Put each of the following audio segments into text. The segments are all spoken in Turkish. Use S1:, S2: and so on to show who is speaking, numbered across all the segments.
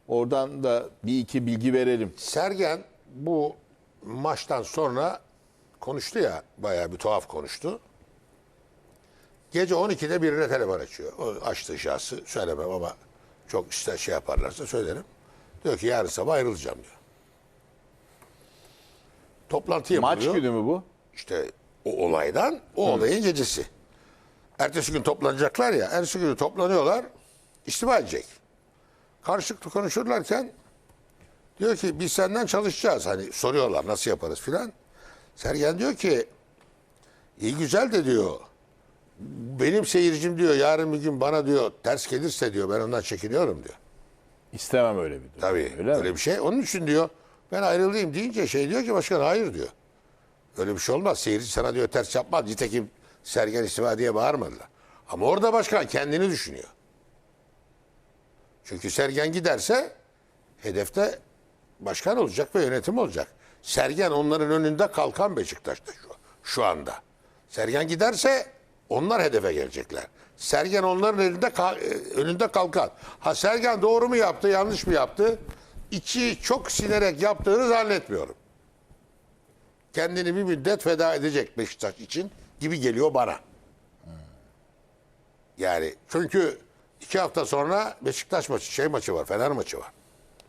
S1: Oradan da bir iki bilgi verelim.
S2: Sergen bu maçtan sonra konuştu ya, bayağı bir tuhaf konuştu. Gece 12'de birine telefon açıyor. O açtığı şahsı söylemem ama çok işte şey yaparlarsa söylerim. Diyor ki yarın sabah ayrılacağım diyor. Toplantı yapılıyor.
S1: Maç günü mü bu?
S2: İşte o olaydan, o olayın gecesi. Ertesi gün toplanacaklar ya, ertesi günü toplanıyorlar, istifa edecek. Karşılıklı konuşurlarken diyor ki biz senden çalışacağız. Hani soruyorlar nasıl yaparız filan. Sergen diyor ki iyi güzel de diyor benim seyircim diyor yarın bir gün bana diyor ters gelirse diyor ben ondan çekiniyorum diyor.
S1: İstemem öyle bir durum.
S2: Tabii öyle
S1: mi?
S2: bir şey. Onun için diyor ben ayrılayım deyince şey diyor ki başkan hayır diyor. Öyle bir şey olmaz. Seyirci sana diyor ters yapmaz. Nitekim Sergen istifa diye bağırmadılar. Ama orada başkan kendini düşünüyor. Çünkü Sergen giderse hedefte başkan olacak ve yönetim olacak. Sergen onların önünde kalkan Beşiktaş'ta şu anda. Sergen giderse onlar hedefe gelecekler. Sergen onların önünde kalkan. Ha Sergen doğru mu yaptı, yanlış mı yaptı? İçi çok sinerek yaptığını zannetmiyorum. Kendini bir müddet feda edecek Beşiktaş için gibi geliyor bana. Yani çünkü 2 hafta sonra Beşiktaş maçı var, Fener maçı var.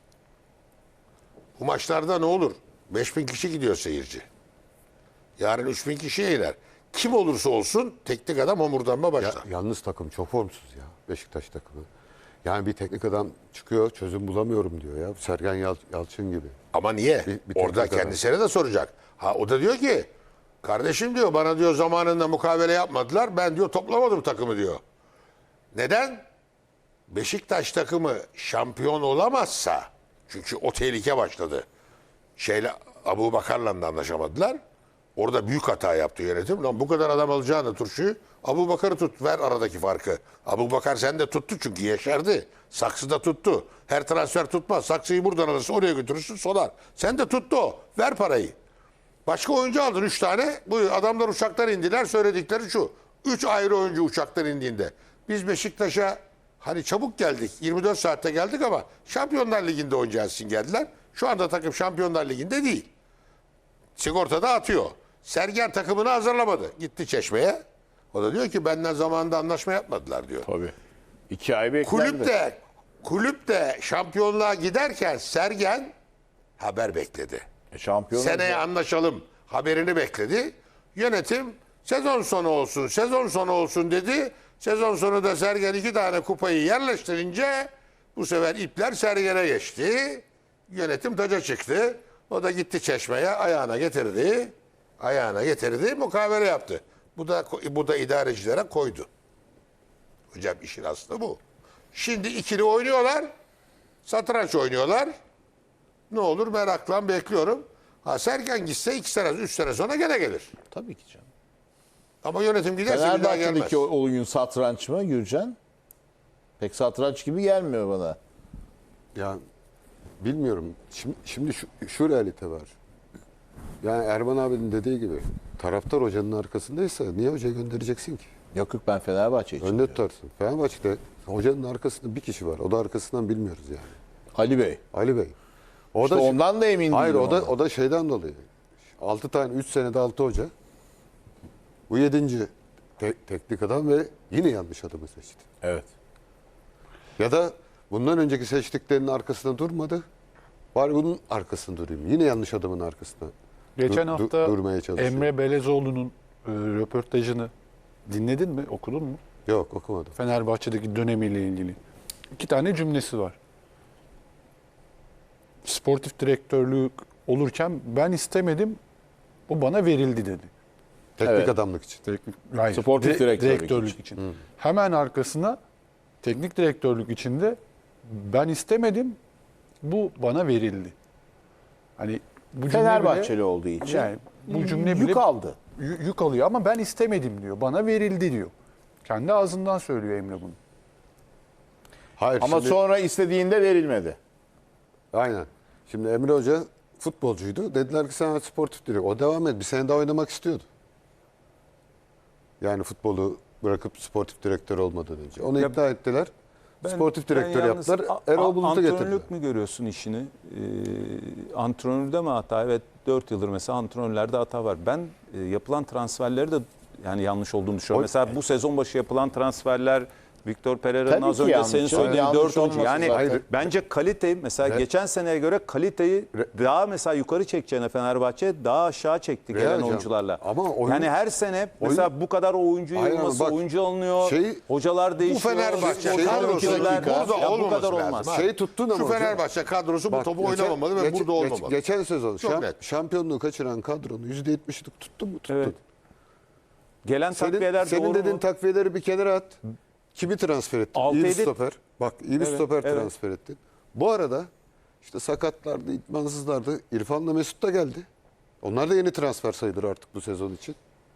S2: Bu maçlarda ne olur? 5.000 kişi gidiyor seyirci. Yarın 3.000 kişiye iner. Kim olursa olsun teknik adam homurdanma başlar.
S3: Yalnız takım çok formsuz ya Beşiktaş takımı. Yani bir teknik adam çıkıyor çözüm bulamıyorum diyor ya. Sergen Yalçın gibi.
S2: Ama niye?
S3: Bir
S2: Orada
S3: teknik
S2: kendisine de soracak. Ha o da diyor ki kardeşim diyor bana diyor zamanında mukavele yapmadılar. Ben diyor toplamadım takımı diyor. Neden? Beşiktaş takımı şampiyon olamazsa çünkü o tehlike başladı. Abubakar'la da anlaşamadılar. Orada büyük hata yaptı yönetim. Lan bu kadar adam alacağını turşuyu Abubakar'ı tut ver aradaki farkı. Abubakar sen de tuttu çünkü yeşerdi. Saksıda tuttu. Her transfer tutmaz. Saksıyı buradan alırsın oraya götürürsün solar. Sen de tuttu o. Ver parayı. Başka oyuncu aldın 3 tane. Bu adamlar uçaktan indiler. Söyledikleri şu. 3 ayrı oyuncu uçaktan indiğinde. Biz Beşiktaş'a hani çabuk geldik. 24 saatte geldik ama Şampiyonlar Ligi'nde oynayacağız için geldiler. Şu anda takım Şampiyonlar Ligi'nde değil. Sigortada atıyor. Sergen takımını hazırlamadı. Gitti Çeşme'ye. O da diyor ki benden zamanında anlaşma yapmadılar diyor.
S1: Tabii. 2 ay beklendi.
S2: Kulüp de şampiyonluğa giderken Sergen haber bekledi.
S1: Şampiyon
S2: Seneye
S1: olacak.
S2: anlaşalım haberini bekledi. Yönetim sezon sonu olsun dedi. Sezon sonu da Sergen 2 tane kupayı yerleştirince bu sefer ipler Sergen'e geçti. Yönetim taca çıktı. O da gitti Çeşme'ye ayağına getirdi, mukavele yaptı. Bu da idarecilere koydu. Hocam işin aslı bu. Şimdi ikili oynuyorlar. Satranç oynuyorlar. Ne olur merakla bekliyorum. Ha Sergen gitse 2 sene, 3 sene sonra gene gelir.
S1: Tabii ki canım.
S2: Ama yönetim giderse bir daha gelmez.
S1: Fenerbahçe'deki oyun satranç mı Gürcan? Pek satranç gibi gelmiyor bana.
S3: Ya bilmiyorum. Şimdi şu realite var. Yani Erman abinin dediği gibi taraftar hocanın arkasındaysa niye hocayı göndereceksin ki?
S1: Yok ben Fenerbahçe için.
S3: Önde
S1: diyorum.
S3: tutarsın. Fenerbahçe'de hocanın arkasında bir kişi var. O da arkasından bilmiyoruz yani.
S1: Ali Bey.
S3: Ali Bey. O
S1: İşte ondan da emin
S3: hayır,
S1: değilim.
S3: o da şeyden dolayı. 6 tane 3 senede 6 hoca. Bu 7. Teknik adam ve yine yanlış adamı seçti.
S1: Evet.
S3: Ya da bundan önceki seçtiklerinin arkasında durmadı. Bari bunun arkasında durayım. Yine yanlış adamın arkasında
S4: Geçen hafta
S3: durmaya çalışıyor.
S4: Emre Belezoğlu'nun röportajını dinledin mi, okudun mu?
S3: Yok okumadım.
S4: Fenerbahçe'deki dönemiyle ilgili. 2 tane cümlesi var. Sportif direktörlük olurken ben istemedim, o bana verildi dedi.
S3: Teknik
S1: Evet.
S3: adamlık için.
S4: Hayır,
S1: Sportif direktörlük
S4: için. Hemen arkasına teknik direktörlük içinde ben istemedim, bu bana verildi. Hani bu cümle
S1: Fenerbahçeli
S4: bile,
S1: olduğu için
S4: yani bu cümle bile
S1: yük aldı.
S4: yük alıyor ama ben istemedim diyor. Bana verildi diyor. Kendi ağzından söylüyor Emre bunu.
S3: Hayır,
S1: Ama
S3: şimdi,
S1: sonra istediğinde verilmedi.
S3: aynen. Şimdi Emre Hoca futbolcuydu. Dediler ki sen sportif direktör. O devam et. Bir sene daha oynamak istiyordu. Yani futbolu bırakıp sportif direktör olmadan önce. Onu ikna ettiler. Sportif direktör
S5: yalnız
S3: yaptılar. Erol Bulut'u getirdiler.
S5: Antrenörlük mü görüyorsun işini? Antrenörde mi hata? Evet, 4 yıldır mesela antrenörlerde hata var. Ben yapılan transferleri de yani yanlış olduğunu düşünüyorum. Mesela bu sezon başı yapılan transferler, Victor Pereira'nın
S1: Tabii
S5: az
S1: ki
S5: önce
S1: yanlış.
S5: senin söylediğin
S1: Yanlış
S5: 4 oyuncu.
S1: olması
S5: Yani
S1: zaten.
S5: bence kaliteyi mesela geçen seneye göre kaliteyi daha mesela yukarı çekeceğine Fenerbahçe daha aşağı çekti
S3: Veya
S5: gelen
S3: hocam,
S5: oyuncularla.
S3: ama oyun-
S5: yani her sene mesela bu kadar oyuncu
S3: Aynen,
S5: yığılması,
S3: bak,
S5: oyuncu alınıyor,
S3: Bu
S5: hocalar değişiyor.
S2: Fenerbahçe
S3: kadrosu
S5: oyuncular-
S2: burada
S5: Ya bu
S2: olmaması
S5: kadar
S2: lazım.
S5: olmaz.
S2: Ha.
S3: Şeyi tuttun ama
S2: Şu
S3: hocam.
S2: Fenerbahçe kadrosu bu
S3: Bak,
S2: topu
S3: geçen-
S2: oynamamalı ve
S3: geç-
S2: burada
S3: geç-
S2: olmamalı.
S3: Geçen sezon
S2: Çok net.
S3: şampiyonluğu kaçıran kadronun %70'lik tuttun mu? Tuttun.
S5: Evet. Gelen takviyeler
S3: Senin
S5: doğru
S3: dediğin
S5: mu?
S3: takviyeleri bir kenara at. Kimi transfer ettin? İyi bir
S5: 6-7
S3: stoper. Bak iyi bir
S5: Evet,
S3: stoper
S5: evet.
S3: transfer ettin. Bu arada işte sakatlardı, idmansızlardı. İrfan'la Mesut da geldi. Onlar da yeni transfer sayılır artık bu sezon için.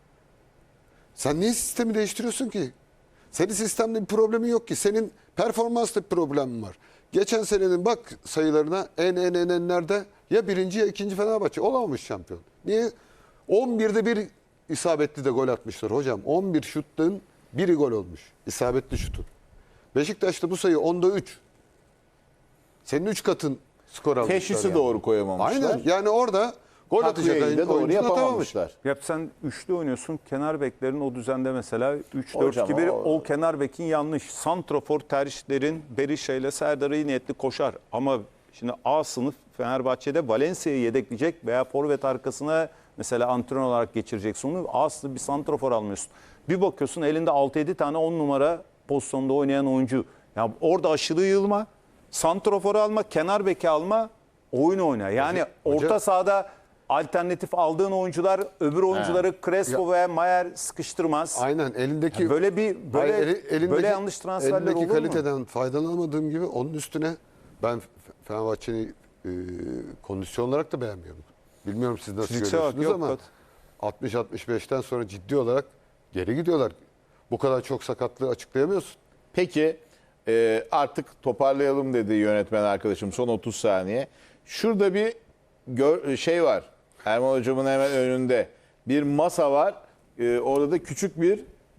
S3: Sen niye sistemi değiştiriyorsun ki? Senin sistemde bir problemin yok ki. Senin performansta bir problemin var. Geçen senenin bak sayılarına enlerde ya birinci ya ikinci Fenerbahçe olamamış şampiyon. Niye? 11'de bir isabetli de gol atmışlar hocam. 11 şuttan biri gol olmuş. İsabetli şutun. Beşiktaş'ta bu sayı 10'da 3. Senin 3 katın skor almışlar.
S1: Teşhisi
S3: yani.
S1: doğru koyamamışlar.
S3: Aynen. Yani orada gol atacak
S1: Takviyeyi de doğru
S3: oyuncu atamamış.
S1: yapamamışlar.
S5: Ya sen üçlü oynuyorsun. Kenar beklerin o düzende mesela 3-4
S1: Hocam
S5: gibi
S1: o-
S5: o kenar bekin yanlış. Santrofor tercihlerin Berisha ile Serdar'ı iyi niyetli koşar. Ama şimdi A sınıf Fenerbahçe'de Valencia'yı yedekleyecek veya forvet arkasına mesela antrenör olarak geçireceksin onu. A sınıf bir santrofor almıyorsun. Bir bakıyorsun elinde 6-7 tane 10 numara pozisyonda oynayan oyuncu. Ya orada aşırı yığılma, santroforu alma, kenar beki alma, oyun oyna. Yani orta sahada alternatif aldığın oyuncular öbür oyuncuları Crespo ve Mayer sıkıştırmaz.
S3: Aynen elindeki
S5: Ya böyle böyle yanlış transferler
S3: elindeki
S5: olur mu?
S3: kaliteden faydalanamadığım gibi onun üstüne ben Fenerbahçe'yi kondisyon olarak da beğenmiyorum. Bilmiyorum siz nasıl
S5: Fiziksel olarak
S3: görüyorsunuz
S5: yok,
S3: ama 60-65'ten sonra ciddi olarak geri gidiyorlar. Bu kadar çok sakatlığı açıklayamıyorsun.
S1: Peki artık toparlayalım dedi yönetmen arkadaşım son 30 saniye. Şurada bir şey var. Erman hocamın hemen önünde. Bir masa var. Orada da küçük bir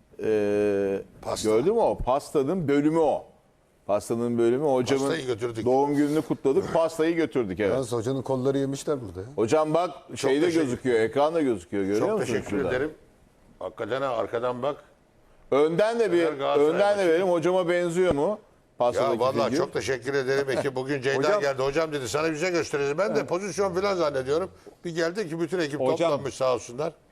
S2: Pasta.
S1: gördün mü o? Pastanın bölümü o. Pastanın bölümü hocamın
S2: Pastayı götürdük.
S1: doğum gününü kutladık. Pastayı götürdük evet.
S3: Yalnız hocanın kolları yemişler burada ya.
S1: Hocam bak şeyde
S2: teşekkür-
S1: gözüküyor, ekranda gözüküyor. Görüyor
S2: Çok
S1: musun
S2: teşekkür
S1: şurada?
S2: ederim. Hakikaten ha, arkadan bak.
S1: Önden de bir
S2: Galatasaray
S1: önden de
S2: maçı.
S1: verelim. Hocama benziyor mu? Pastadaki
S2: Ya vallahi
S1: figür.
S2: çok teşekkür ederim. Ekip bugün Ceyda geldi. Hocam dedi sana bir şey göstereceğiz. Ben de pozisyon falan zannediyorum. Bir geldi ki bütün ekip
S5: Hocam-
S2: toplanmış sağ olsunlar.